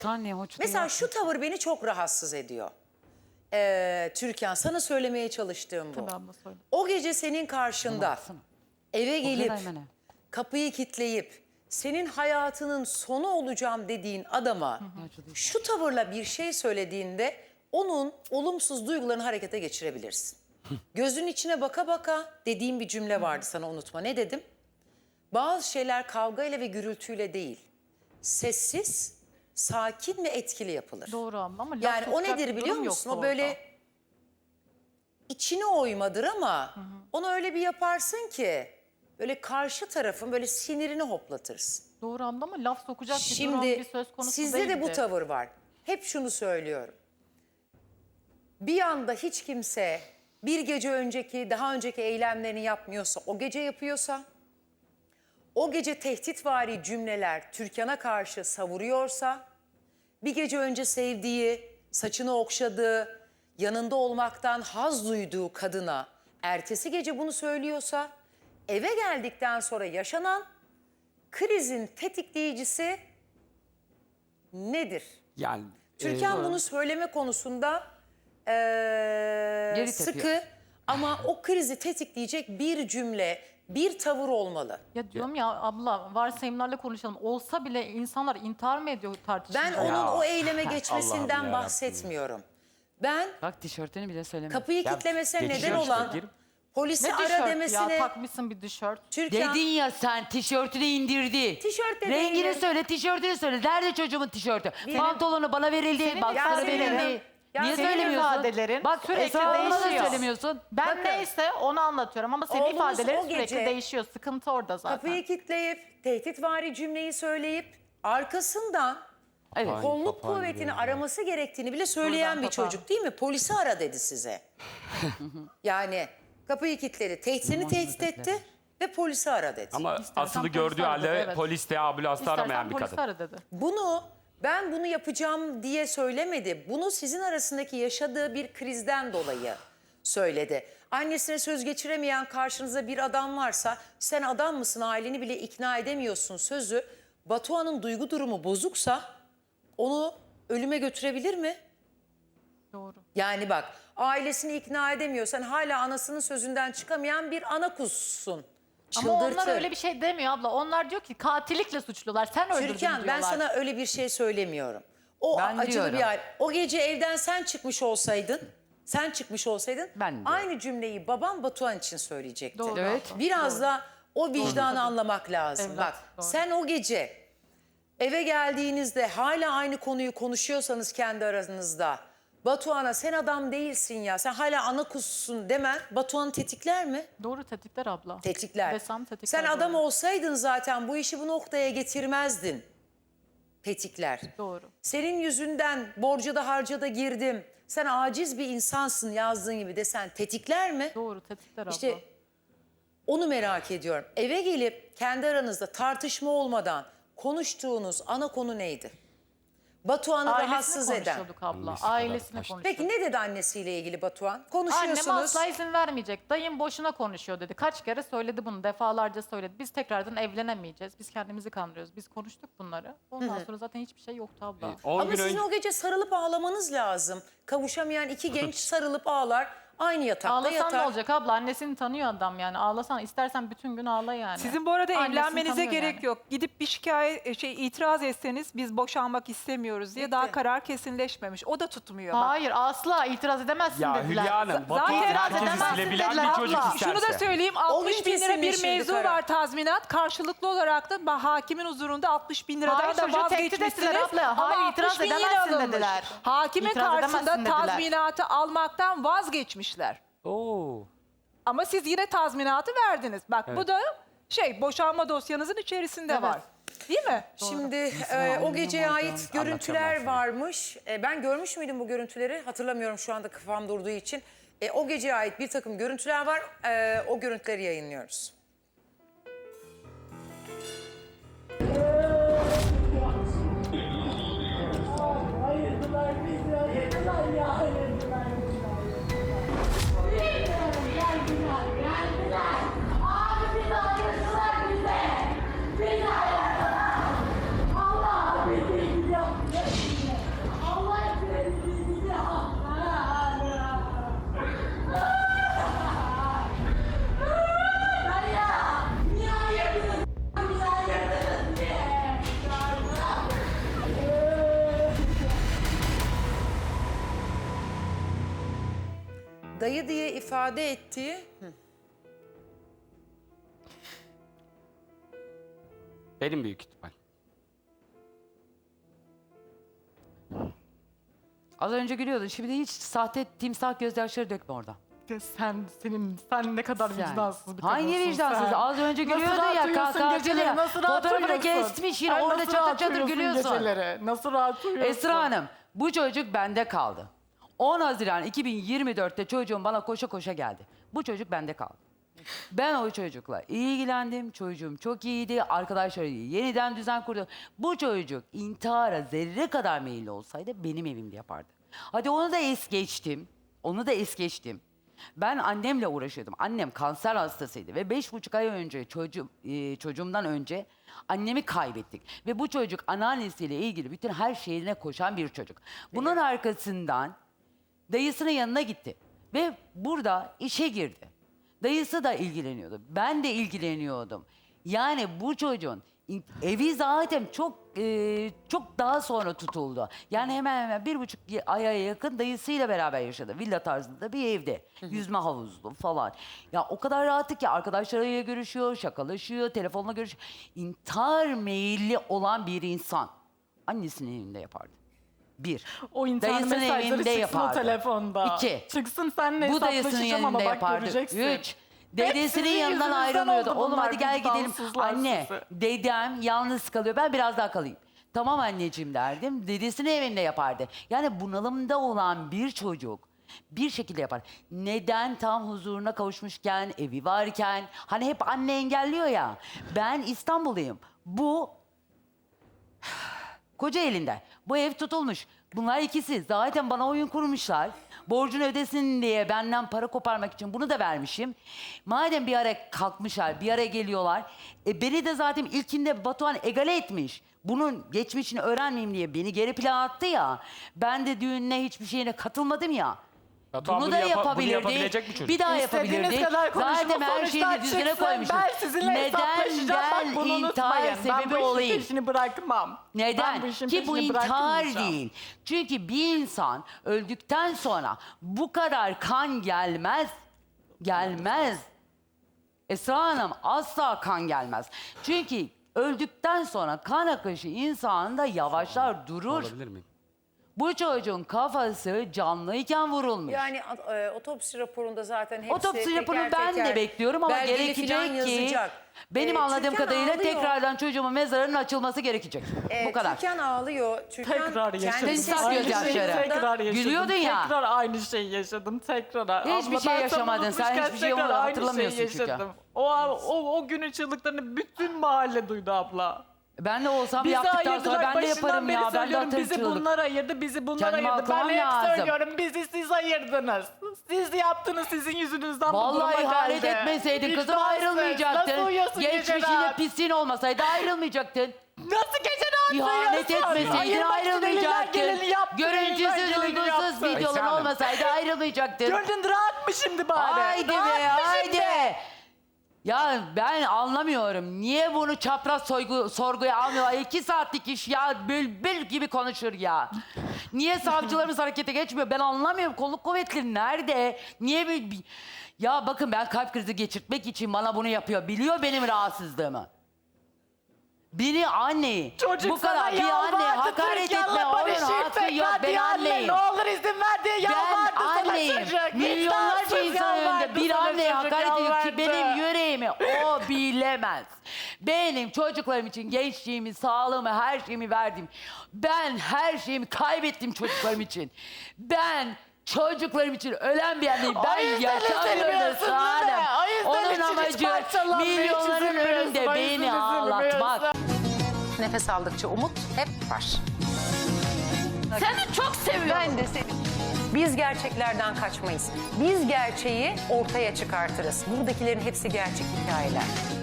Anne hoş değil. Mesela şu tavır beni çok rahatsız ediyor. Türkan, sana söylemeye çalıştığım bu. Tabii abla söyle. O gece senin karşında Baksana. eve O gelip kadar hemen. kapıyı kilitleyip senin hayatının sonu olacağım dediğin adama şu tavırla bir şey söylediğinde onun olumsuz duygularını harekete geçirebilirsin. Gözün içine baka baka dediğim bir cümle vardı, sana unutma. Ne dedim? Bazı şeyler kavgayla ve gürültüyle değil, sessiz, sakin ve etkili yapılır. Doğru abla ama laf Yani o sokacak nedir bir biliyor durum musun? yoktu O böyle orada. içine oymadır ama onu öyle bir yaparsın ki böyle karşı tarafın böyle sinirini hoplatırsın. Doğru abla ama laf sokacak bir durum Şimdi bir söz konusu sizde değildi. de bu tavır var. Hep şunu söylüyorum. Bir anda hiç kimse bir gece önceki, daha önceki eylemlerini yapmıyorsa, o gece yapıyorsa, o gece tehditvari cümleler Türkan'a karşı savuruyorsa, bir gece önce sevdiği, saçını okşadığı, yanında olmaktan haz duyduğu kadına ertesi gece bunu söylüyorsa, eve geldikten sonra yaşanan krizin tetikleyicisi nedir? Yani Türkan bunu söyleme konusunda Geri sıkı tepiyor. ama o krizi tetikleyecek bir cümle, bir tavır olmalı. Ya diyorum ya abla varsayımlarla konuşalım. Olsa bile insanlar intihar mı ediyor tartışmada? Ben onun Ya. o eyleme Allah'ım geçmesinden yarabbim. bahsetmiyorum. Ben Bak tişörtünü bile söyleme. kapıyı Ya, kilitlemesine geçiyor neden işte, olan girip- polisi Ne ara tişört demesine... ya takmışsın bir tişört. Türkan, Dedin ya sen tişörtünü indirdi. Tişört de Rengini değilim. söyle, tişörtünü söyle. Nerede çocuğumun tişörtü? Benim- Pantolonu bana verildi, Senin bak sana ifadelerin- verildi. Ya Niye senin söylemiyorsun? ifadelerin Bak sürekli Esra Hanım'a da değişiyor. söylemiyorsun. Ben Bakın. neyse onu anlatıyorum ama senin Oğlunuz ifadelerin o sürekli gece değişiyor. Sıkıntı orada zaten. kapıyı kilitleyip tehditvari cümleyi söyleyip arkasından Evet. kolluk papağan kuvvetini gibi. araması gerektiğini bile söyleyen Buradan bir papağan. çocuk değil mi? Polisi ara dedi size. Yani kapıyı kilitledi, seni tehdit etti ve polisi ara dedi. ama İstersen asılı polis gördüğü aradı, halde evet. polis de ambulans da aramayan İstersen bir polis kadın. ara dedi. Ben bunu yapacağım diye söylemedi. Bunu sizin arasındaki yaşadığı bir krizden dolayı söyledi. Annesine söz geçiremeyen karşınızda bir adam varsa sen adam mısın, aileni bile ikna edemiyorsun sözü. Batuhan'ın duygu durumu bozuksa onu ölüme götürebilir mi? Doğru. Yani bak, ailesini ikna edemiyorsan hala anasının sözünden çıkamayan bir ana kuzusun. Ama onlar Çıldırtır. öyle bir şey demiyor abla. Onlar diyor ki katillikle suçlular. Sen öldürdün Türkan, diyorlar. ben sana öyle bir şey söylemiyorum. O Ben acılı diyorum. bir hal. O gece evden sen çıkmış olsaydın, Ben diyorum. aynı cümleyi babam Batuhan için söyleyecekti. Doğru Evet. abla. Biraz da o vicdanı anlamak lazım. Evlat, Bak, doğru. sen o gece eve geldiğinizde hala aynı konuyu konuşuyorsanız kendi aranızda, Batuhan'a sen adam değilsin ya, sen hala ana kuzusun demen Batuhan'ı tetikler mi? Doğru tetikler abla. Tetikler. Desem tetikler. Sen adam doğru. olsaydın zaten bu işi bu noktaya getirmezdin. Tetikler. Doğru. Senin yüzünden borca da harca da girdim. Sen aciz bir insansın yazdığın gibi desen tetikler mi? Doğru tetikler abla. İşte onu merak ediyorum. Eve gelip kendi aranızda tartışma olmadan konuştuğunuz ana konu neydi? Batuhan'ı Ailesine rahatsız eden. konuşuyorduk abla. Annesi kadar Ailesine taştı. konuşuyorduk. Peki ne dedi annesiyle ilgili Batuhan? Annem Konuşuyorsunuz. asla izin vermeyecek. Dayım boşuna konuşuyor dedi. Kaç kere söyledi bunu. Defalarca söyledi. Biz tekrardan evlenemeyeceğiz. Biz kendimizi kandırıyoruz. Biz konuştuk bunları. Ondan sonra zaten hiçbir şey yoktu abla. 10 Ama gün sizin önce o gece sarılıp ağlamanız lazım. Kavuşamayan iki genç sarılıp ağlar. Aynı yatakta Ağlasan yatar. ne olacak abla? Annesini tanıyor adam yani. Ağlasan istersen bütün gün ağla yani. Sizin bu arada Annesini evlenmenize tanıyor gerek yani. yok. Gidip bir itiraz etseniz biz boşanmak istemiyoruz diye Bitti. daha karar kesinleşmemiş. O da tutmuyor. Bak. Hayır asla itiraz edemezsin ya dediler. Hülya Hanım, Batuhan Zaten herkesi edemezsin silebilen dediler bir çocuk abla. isterse. Şunu da söyleyeyim, O gün 60 bin lira bir kesinleşirdi mevzu karar. var tazminat. Karşılıklı olarak da hakimin huzurunda 60 bin liradan Hayır, da çocuğu tehdit vazgeçmişsiniz. ettiler abla. Ama Hayır, 60 itiraz bin yine edemezsin alınmış. dediler. Hakimin İtiraz karşısında edemezsin dediler. tazminatı almaktan vazgeçmişler. Oo. Ama siz yine tazminatı verdiniz. Bak bu da boşanma dosyanızın içerisinde Evet. var. Değil mi? Şimdi o geceye ait görüntüler varmış. Ben görmüş müydüm bu görüntüleri? Hatırlamıyorum şu anda, kafam durduğu için. O geceye ait bir takım görüntüler var. O görüntüleri yayınlıyoruz. Ayırdılar bizi, ayırdılar ya, ayırdılar bizi, geldiler, geldiler. Abi bizi ayırdılar bize. Bizi ayırdılar. Allah bizi gidiyor. dayı diye ifade ettiği... Benim büyük ihtimal. Az önce gülüyordun. Şimdi hiç sahte timsah gözyaşları dökme orada. Sen ne kadar vicdansız bir Hangi kadınsın vicdansız? sen. Az önce Nasıl gülüyordun rahat ya. uyuyorsun Kalk geceleri, ya. nasıl rahat Fotoğrafını uyuyorsun? kesmiş yine. Ay, Orada nasıl çatır rahat çatır uyuyorsun gülüyorsun. geceleri? Nasıl rahat uyuyorsun? Esra Hanım, bu çocuk bende kaldı. 10 Haziran 2024'te çocuğum bana koşa koşa geldi. Bu çocuk bende kaldı. Ben o çocukla ilgilendim. Çocuğum çok iyiydi. Arkadaşları iyi. Yeniden düzen kurdu. Bu çocuk intihara zerre kadar meyilli olsaydı benim evimde yapardı. Hadi onu da es geçtim. Onu da es geçtim. Ben annemle uğraşıyordum. Annem kanser hastasıydı ve 5,5 ay önce çocuğumdan önce annemi kaybettik. Ve bu çocuk anneannesiyle ilgili bütün her şeyine koşan bir çocuk. Bunun arkasından dayısının yanına gitti ve burada işe girdi. Dayısı da ilgileniyordu. Ben de ilgileniyordum. Yani bu çocuğun evi zaten çok daha sonra tutuldu. Yani hemen 1,5 aya yakın dayısıyla beraber yaşadı. Villa tarzında bir evde. Yüzme havuzlu falan. Ya o kadar rahattı ki arkadaşlarıyla görüşüyor, şakalaşıyor, telefonla görüşüyor. İntihar meyilli olan bir insan annesinin evinde yapardı. Bir. O intihar Dayısının mesajları evinde çıksın yapardı. o telefonda. 2. Çıksın seninle Bu dayısının hesaplaşacağım ama yanında bak yapardı. göreceksin. 3. Dedesinin sizin yanından yüzünüzden ayrılmıyordu. oldu Oğlum bunlar, hadi gel gidelim. vicdansızlar Anne, sizi. dedem yalnız kalıyor. Ben biraz daha kalayım. Tamam anneciğim derdim. Dedesinin evinde yapardı. Yani bunalımda olan bir çocuk bir şekilde yapar. Neden tam huzuruna kavuşmuşken, evi varken, hani hep anne engelliyor ya. Ben İstanbulluyum. Bu Kocaeli'nde. Bu ev tutulmuş. Bunlar ikisi zaten bana oyun kurmuşlar. Borcunu ödesin diye benden para koparmak için bunu da vermişim. Madem bir ara kalkmışlar, bir ara geliyorlar. Beni de zaten ilkinde Batuhan egale etmiş. Bunun geçmişini öğrenmeyeyim diye beni geri plana attı ya. Ben de düğününe hiçbir şeyine katılmadım ya. Batuhan Bunu bunu da bunu yapabilirdi. yapabilecek bir çocuk. Bir daha İstediğiniz yapabilirdi. kadar konuşun, Zaten bu her sonuçlar şeyini düzgüne çıksın, koymuşum. Ben sizinle Neden hesaplaşacağım. Bak ben bunu intihar unutmayın. Ben sebebi bu işin olayım? peşini bırakmam. Neden? Ben bu işin Ki bu peşini intihar bırakmayacağım. değil. Çünkü bir insan öldükten sonra bu kadar kan gelmez. Gelmez. Esra Hanım asla kan gelmez. Çünkü öldükten sonra kan akışı insanda yavaşlar, durur. Olabilir miyim? Bu çocuğun kafası canlıyken vurulmuş. Yani otopsi raporunda zaten hepsi Otopsi raporunu teker ben de teker bekliyorum ama belgeli gerekecek falan ki yazacak. benim anladığım Türkan kadarıyla ağlıyor. tekrardan çocuğumun mezarının açılması gerekecek. Bu kadar. Türkan ağlıyor. Türkan Tekrar yaşadım. kendisi Timsah Aynı gözyaşları. şeyi sesinde- tekrar yaşadım. Gülüyordun ya. Tekrar aynı şeyi yaşadım. Tekrar. Hiçbir şey yaşamadın. Sen hiçbir şey hatırlamıyorsun çünkü. O günün çığlıklarını bütün mahalle duydu abla. Ben de olsam Bizi yaptıktan sonra ayırdılar. ben de Başından yaparım beri ya. Ben de söylüyorum. atarım Bizi çığlık. bunlar ayırdı, bizi bunlar Kendimi ayırdı. Ben aklamam hep lazım. söylüyorum. Bizi siz ayırdınız. Siz yaptınız, sizin yüzünüzden bu duruma Vallahi ihanet geldi. etmeseydin kızım Vicdansız. ayrılmayacaktın. Nasıl uyuyorsun Geçmişinde geceler? pisliğin olmasaydı ayrılmayacaktın. Nasıl geceler İhanet duyuyorsun? etmeseydin Ayırmak için elinden ayrılmayacaktın. geleni yaptın, elinden Görüntüsüz, geleni uygunsuz yaptın. videoların Esra Hanım. olmasaydı ayrılmayacaktın. Gönlün rahat mı şimdi bari? Haydi be Rahat mı haydi. şimdi? Ya ben anlamıyorum. Niye bunu çapraz sorguya almıyorlar? 2 saatlik iş ya. Bülbül gibi konuşur ya. Niye savcılarımız harekete geçmiyor? Ben anlamıyorum. Kolluk kuvvetleri nerede? Niye Ya bakın ben kalp krizi geçirtmek için bana bunu yapıyor. Biliyor benim rahatsızlığımı. Biri anneyi Çocuk bu kadar sana bir anne yalvardı, hakaret Türkan'la etme onun barışayım hakkı yok. tekrar Ben diye anne, anneyim. Ne olur izin ver diye Ben yalvardı sana anneyim. çocuk. Milyonlarca Vicdansız insan önünde yalvardı bir sana anneye çocuk, hakaret ediyor ki yalvardı. benim yüreğimi o bilemez. Benim çocuklarım için gençliğimi, sağlığımı, her şeyimi verdim. Ben her şeyimi kaybettim çocuklarım için. Ben çocuklarım için ölen bir anneyim. O Ben yüzden yaşamıyorum üzülmüyorsun Esra değil mi? Hanım. O yüzden Onun için hiç amacı parçalanmıyor, hiç milyonların üzülmüyorsun, önünde o yüzden beni ağlatmak. üzülmüyorsun. Nefes aldıkça umut hep var. Seni çok seviyorum. Ben de seni. Biz gerçeklerden kaçmayız. Biz gerçeği ortaya çıkartırız. Buradakilerin hepsi gerçek hikayeler.